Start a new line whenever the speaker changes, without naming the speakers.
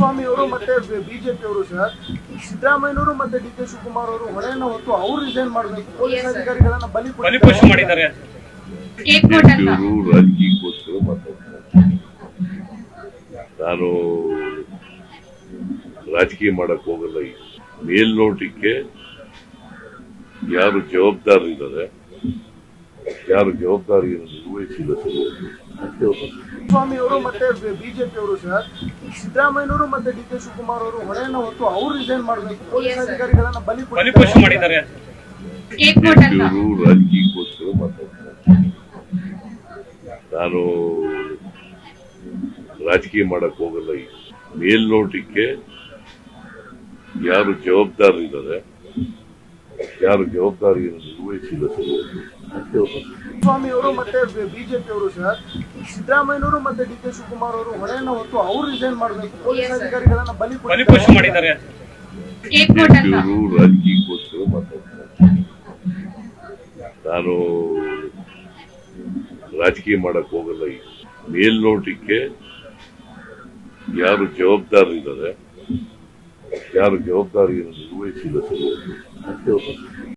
ಕುಮಾರಸ್ವಾಮಿ ಅವರು ಮತ್ತೆ ಬಿಜೆಪಿ ಅವರು ಸರ್ ಸಿದ್ದರಾಮಯ್ಯನವರು ಮತ್ತೆ ಡಿ ಕೆ ಶಿವಕುಮಾರ್ ಅವರು ಹೊಣೆಯನ್ನ ಹೊತ್ತು ಅವ್ರು ರಿಸೈನ್ ಮಾಡಬೇಕು, ಪೊಲೀಸ್ ಅಧಿಕಾರಿಗಳನ್ನ ಬಲಿಪಶು ಮಾಡಿದ್ದಾರೆ.
ರಾಜಕೀಯಕ್ಕೋಸ್ಕರ ಮಾತಾಡ್ತಾರೆ. ನಾನು ರಾಜಕೀಯ ಮಾಡಕ್ ಹೋಗಲ್ಲ. ಮೇಲ್ನೋಟಕ್ಕೆ ಯಾರು ಜವಾಬ್ದಾರರಿದ್ದಾರೆ, ಯಾರು ಜವಾಬ್ದಾರಿಯನ್ನು ನಿರ್ವಹಿಸಿಲ್ಲ
ಸ್ವಾಮಿ ಅವರು ಮತ್ತೆ ಬಿಜೆಪಿ ಅವರು ಸರ್ ಸಿದ್ದರಾಮಯ್ಯನವರು ಮತ್ತೆ ಡಿ ಕೆ ಶಿವಕುಮಾರ್ ಅವರು ಹೊಣೆಯನ್ನ ಹೊತ್ತು ಅವ್ರು ರಿಸೈನ್ ಮಾಡಬೇಕು, ಪೊಲೀಸ್ ಅಧಿಕಾರಿಗಳನ್ನ ಬಲಿಪಶು ಮಾಡಿದ್ದಾರೆ.
ರಾಜಕೀಯಕ್ಕೋಸ್ಕರ ಮಾತಾಡ್ತಾರೆ. ನಾನು ರಾಜಕೀಯ ಮಾಡಕ್ ಹೋಗಲ್ಲ. ಮೇಲ್ನೋಟಕ್ಕೆ ಯಾರು ಜವಾಬ್ದಾರರಿದ್ದಾರೆ, ಯಾರು ಜವಾಬ್ದಾರಿಯನ್ನು ನಿರ್ವಹಿಸಿಲ್ಲ
ಸ್ವಾಮಿ ಅವರು ಮತ್ತೆ ಬಿಜೆಪಿ ಅವರು ಸರ್ ಸಿದ್ದರಾಮಯ್ಯನವರು ಮತ್ತೆ ಡಿ ಕೆ ಶಿವಕುಮಾರ್ ಅವರು ಹೊಣೆಯನ್ನ ಹೊತ್ತು ಅವ್ರು ರಿಸೈನ್ ಮಾಡಬೇಕು, ಪೊಲೀಸ್ ಅಧಿಕಾರಿಗಳನ್ನ ಬಲಿಪಶು ಮಾಡಿದ್ದಾರೆ.
ರಾಜಕೀಯಕ್ಕೋಸ್ಕರ ಮಾತಾಡ್ತಾರೆ. ನಾನು ರಾಜಕೀಯ ಮಾಡಕ್ ಹೋಗಲ್ಲ. ಮೇಲ್ನೋಟಕ್ಕೆ ಯಾರು ಜವಾಬ್ದಾರರಿದ್ದಾರೆ, ಯಾರು ಜವಾಬ್ದಾರಿಯನ್ನು ನಿರ್ವಹಿಸಿಲ್ಲ